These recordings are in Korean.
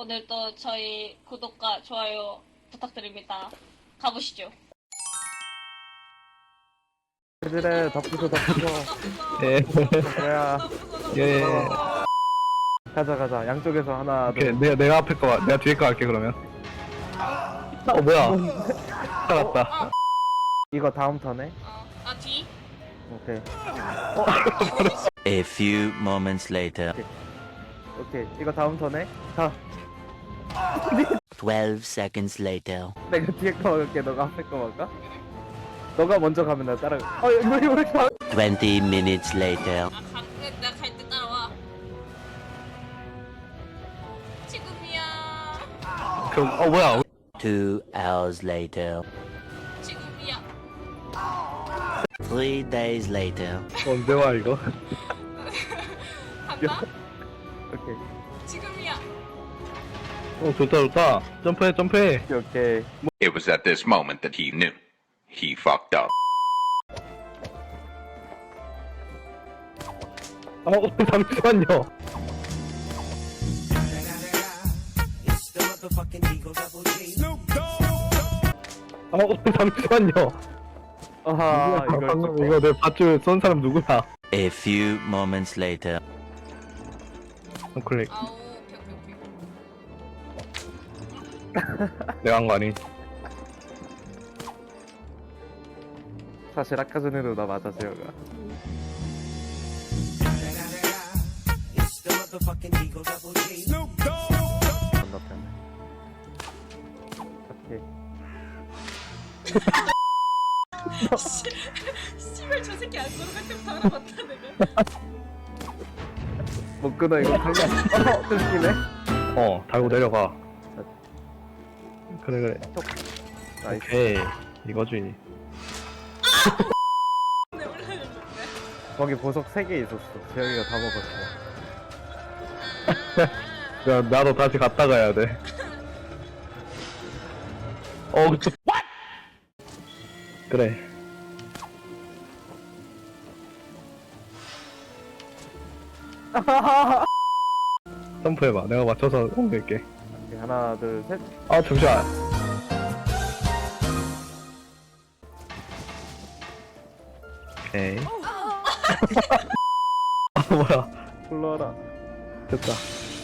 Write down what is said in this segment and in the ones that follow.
오늘도 저희 구독과 좋아요 부탁드립니다. 가보시죠. 그래 덮으소 예. 뭐야 예. 가자 양쪽에서 하나 오케이. 내가 앞에 거, 내가 뒤에 거 할게, 그러면. 뭐야. 살았다. 이거 다음 턴에 아 뒤? 오케이 A few moments later. 오케이 이거 다음 턴에 자 12 seconds later. 내가 뒤에 거 먹을게 너가 앞에 거 먹을까? 너가 먼저 가면 나 따라가 우리 20 minutes later. 내가 갈 때 따라와. 지금이야. 뭐야. 2 hours later. 지금이야. 3 days later. 언제 와, 이거? 간다. 오케이 지금이야. 좋다. 점프해. 오케이 It was at this moment that he knew. He fucked up. 잠시만요. 잠시만요. 아하 방금 이거 내 밧줄 쏜 사람 누구야? A few moments later. 클릭. 아우 오케이. 내가 한 거 아니? 사실 아까 전에도 나 맞았어요 건너편 오케이 씨발 저 새끼 안 걸어갈 때부터 알아봤다 내가. 못 끊어 이거 달려 뜯기네 달고 내려가. 그래. 나이스 오케이. 이거지. 내 올라가는데. 거기 보석 3개 있었어 재영이가 다 먹었어 야, 나도 다시 갔다 가야 돼. 그래. 점프해봐. 내가 맞춰서 옮길게. 오케이, 하나 둘셋 잠시만. 오케이. 뭐야. 불러라 됐다.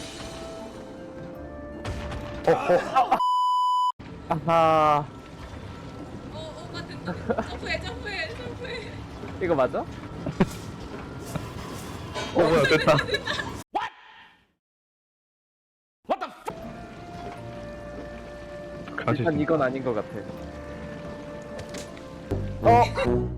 아하 오가 된다. 점프해. 이거 맞아? 뭐야, 됐다. 일단 이건 아닌 것 같아